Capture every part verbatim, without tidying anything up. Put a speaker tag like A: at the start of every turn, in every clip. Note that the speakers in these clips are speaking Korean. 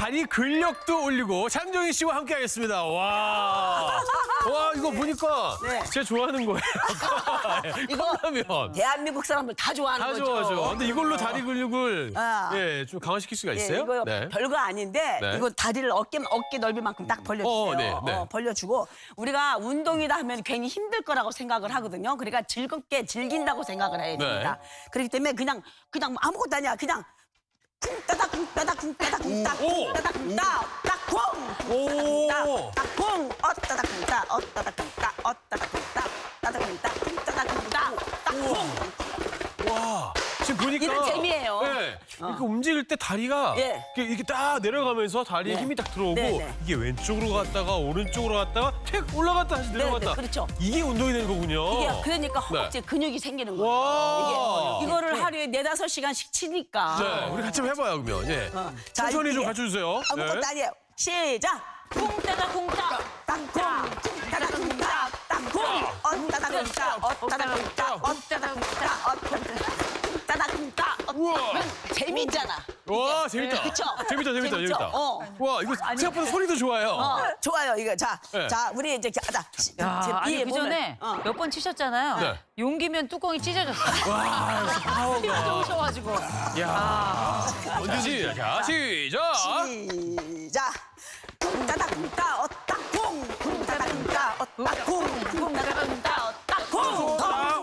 A: 다리 근력도 올리고 장정희 씨와 함께하겠습니다. 와, 와 이거 보니까
B: 네.
A: 제가 좋아하는 거예요.
B: 이거
A: 컵라면.
B: 대한민국 사람들 다 좋아하는
A: 다
B: 거죠.
A: 좋아하죠. 근데 이걸로 다리 근육을
B: 아.
A: 예, 좀 강화시킬 수가
B: 네,
A: 있어요?
B: 이거 별거 아닌데
A: 네.
B: 이거 다리를 어깨 어깨 넓이만큼 딱 벌려주세요.
A: 어, 네, 네.
B: 어, 벌려주고 우리가 운동이다 하면 괜히 힘들 거라고 생각을 하거든요. 그러니까 즐겁게 즐긴다고 생각을 해야 됩니다.
A: 네.
B: 그렇기 때문에 그냥 그냥 아무것도 아니야. 그냥 쿵따닥 쿵따닥 쿵따닥 쿵따닥
A: 오.
B: 쿵따닥 쿵따닥 딱쿵
A: 오.
B: 딱쿵 어따닥 쿵따 어따닥 쿵따 어따닥 쿵따 따닥 쿵따 쿵따닥 쿵따 딱쿵.
A: 와, 지금 보니까
B: 이런 재미예요.
A: 네, 이렇게 움직일 때 다리가
B: 예.
A: 이렇게, 이렇게 딱 내려가면서 다리에
B: 네.
A: 힘이 딱 들어오고
B: 네, 네.
A: 이게 왼쪽으로 갔다가 오른쪽으로 갔다가 택 올라갔다 다시 내려갔다.
B: 네, 그렇죠.
A: 이게 운동이 되는 거군요.
B: 이게 그러니까
A: 네.
B: 허벅지 근육이 생기는 거예요.
A: 와.
B: 이게 이거를 하루에 네다섯 시간씩 치니까.
A: 네, 우리 같이 한번 해봐요 그러면. 예.
B: 어. 자,
A: 천천히 좀
B: 이게
A: 가르쳐주세요.
B: 아무것도
A: 네.
B: 아니에요. 시작. 쿵따다 쿵따 땅쿵 쿵따다 쿵따 땅쿵 어따다 쿵따 어따다 쿵따 어따다 쿵따 어따다 쿵따
A: 우와.
B: 재밌잖아.
A: 와, 재밌다.
B: 그쵸?
A: 재밌다, 재밌다,
B: 재밌죠?
A: 재밌다.
B: 어.
A: 와, 이거 생각보다 소리도 좋아요.
B: 어, 좋아요 이거. 자,
A: 네.
B: 자 우리 이제 자, 시-
C: 야,
B: 제
C: 아니
B: 위에
C: 그
B: 보면,
C: 전에
B: 어.
C: 몇 번 치셨잖아요.
A: 네.
C: 용기면 뚜껑이 찢어졌어요.
A: 와,
C: 힘이 좋으셔가지고.
A: 야. 먼저 시작. 시작.
B: 시작. 쿵따다 쿵따 어따 쿵 쿵따다 쿵따 어따 쿵 쿵따다 쿵따 어따 쿵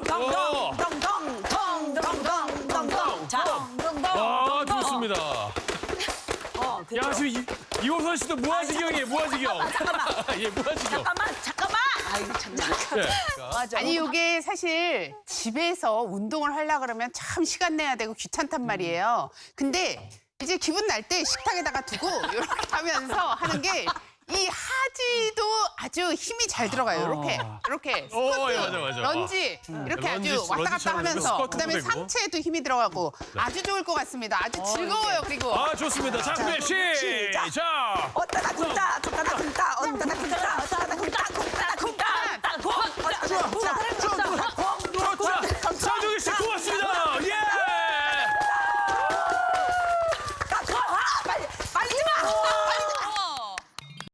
B: 덩덩덩덩덩덩덩덩덩덩덩 자,
A: 와, 좋습니다.
B: 어, 그죠?
A: 야, 지금 이, 이호선 씨도 무아지경이에요, 무아지경.
B: 잠깐만.
A: 예, 무아지경.
B: 잠깐만, 잠깐만. 아이고 참.
A: 예.
B: 맞아.
D: 아니 이게 사실 집에서 운동을 하려 그러면 참 시간 내야 되고 귀찮단 말이에요. 근데 이제 기분 날 때 식탁에다가 두고 이렇게 하면서 하는 게 이 하지도 아주 힘이 잘 들어가요. 이렇게 이렇게 스쿼트,
A: 오, 예, 맞아, 맞아.
D: 런지 이렇게
A: 런지,
D: 아주 왔다 갔다
A: 런지처럼
D: 하면서
A: 스쿼트도
D: 그다음에
A: 되고.
D: 상체에도 힘이 들어가고 아주 좋을 것 같습니다. 아주 즐거워요. 그리고
A: 아, 좋습니다. 자, 그럼 시작.
B: 어따다 쿵따 어따다 쿵따 어따다 쿵따 어따다 쿵따 쿵따다 쿵따 땅쿵 어따다 쿵따